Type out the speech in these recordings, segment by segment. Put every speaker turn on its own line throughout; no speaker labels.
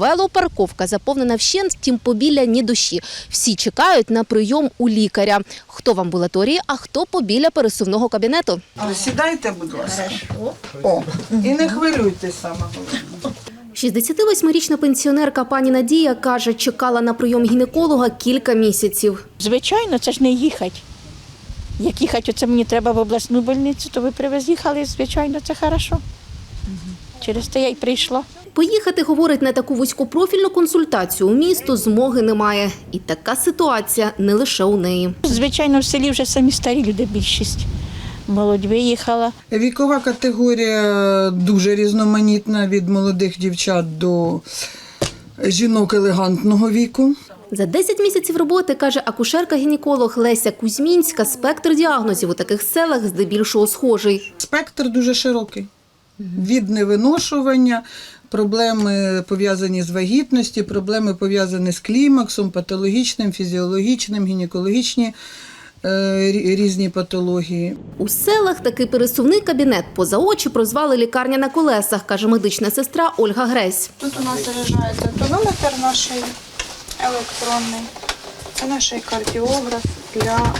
Велопарковка заповнена вщент, втім побіля ні душі. Всі чекають на прийом у лікаря. Хто в амбулаторії, а хто побіля пересувного кабінету.
Сідайте, будь ласка. О, і не хвилюйтесь саме головне.
68-річна пенсіонерка пані Надія каже, чекала на прийом гінеколога кілька місяців.
Звичайно, це ж не їхати. Як їхати, оце мені треба в обласну больницю, то ви приїхали, звичайно, це хорошо. Через те я й прийшла.
Поїхати, говорить, на таку вузькопрофільну консультацію у місто змоги немає. І така ситуація не лише у неї.
Звичайно, в селі вже самі старі люди більшість. Молодь виїхала.
Вікова категорія дуже різноманітна, від молодих дівчат до жінок елегантного віку.
За 10 місяців роботи, каже акушерка-гінеколог Леся Кузьмінська, спектр діагнозів у таких селах здебільшого схожий.
Спектр дуже широкий. Від невиношування, проблеми пов'язані з вагітністю, проблеми пов'язані з клімаксом, патологічним, фізіологічним, гінекологічні різні патології.
У селах такий пересувний кабінет поза очі прозвали «лікарня на колесах», каже медична сестра Ольга Гресь.
Тут у нас заряджається тонометр наш електронний. Це наш кардіограф для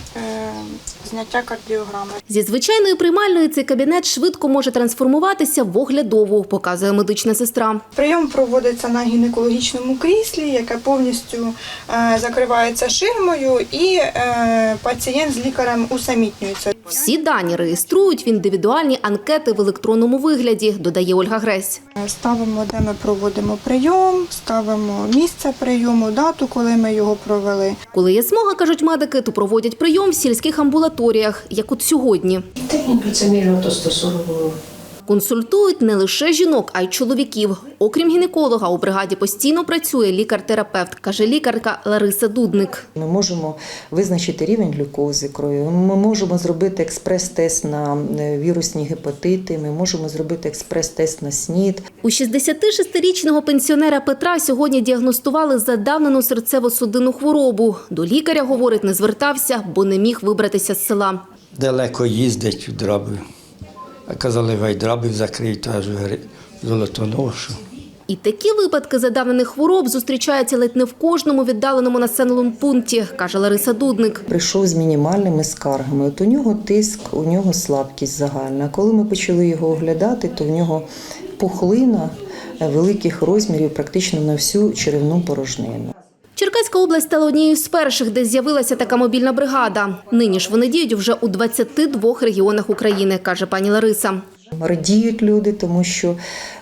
зняття кардіограми.
Зі звичайної приймальної цей кабінет швидко може трансформуватися в оглядову, показує медична сестра.
Прийом проводиться на гінекологічному кріслі, яке повністю закривається ширмою, і пацієнт з лікарем усамітнюється.
Всі дані реєструють в індивідуальні анкети в електронному вигляді, додає Ольга Гресь.
Ставимо, де ми проводимо прийом, ставимо місце прийому, дату, коли ми його провели.
Коли є змога, кажуть медики, то проводять прийом в сільських амбулаторіях, як от сьогодні.
Техніку це мільйон то 140 було.
Консультують не лише жінок, а й чоловіків. Окрім гінеколога, у бригаді постійно працює лікар-терапевт, каже лікарка Лариса Дудник.
Ми можемо визначити рівень глюкози крові, ми можемо зробити експрес-тест на вірусні гепатити, ми можемо зробити експрес-тест на СНІД.
У 66-річного пенсіонера Петра сьогодні діагностували задавнену серцево-судинну хворобу. До лікаря, говорить, не звертався, бо не міг вибратися з села.
Далеко їздить в Драбів. А казали, хай Драбів закриють, аж Золотоношу.
І такі випадки задавнених хвороб зустрічаються ледь не в кожному віддаленому населеному пункті, каже Лариса Дудник.
Прийшов з мінімальними скаргами. От у нього тиск, у нього слабкість загальна. Коли ми почали його оглядати, то в нього пухлина великих розмірів практично на всю черевну порожнину.
Черкаська область стала однією з перших, де з'явилася така мобільна бригада. Нині ж вони діють вже у 22 регіонах України, каже пані Лариса.
Радіють люди, тому що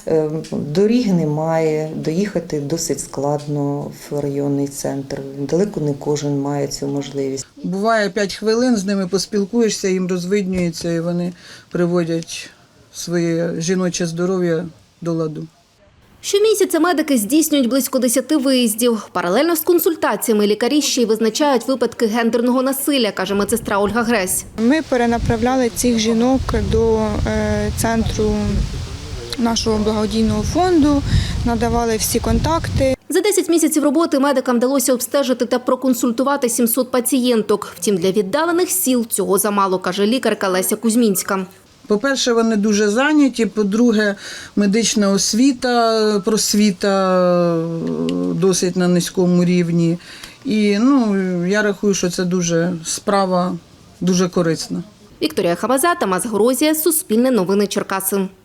доріг немає, доїхати досить складно в районний центр. Далеко не кожен має цю можливість.
Буває 5 хвилин, з ними поспілкуєшся, їм розвиднюється і вони приводять своє жіноче здоров'я до ладу.
Щомісяця медики здійснюють близько 10 виїздів. Паралельно з консультаціями лікарі ще й визначають випадки гендерного насилля, каже медсестра Ольга Гресь.
Ми перенаправляли цих жінок до центру нашого благодійного фонду, надавали всі контакти.
За 10 місяців роботи медикам вдалося обстежити та проконсультувати 700 пацієнток. Втім, для віддалених сіл цього замало, каже лікарка Леся Кузьмінська.
По-перше, вони дуже зайняті, по-друге, медична освіта, просвіта досить на низькому рівні. І я рахую, що це справа дуже корисна.
Вікторія Хабаза, Тамас Горозія, Суспільне новини Черкаси.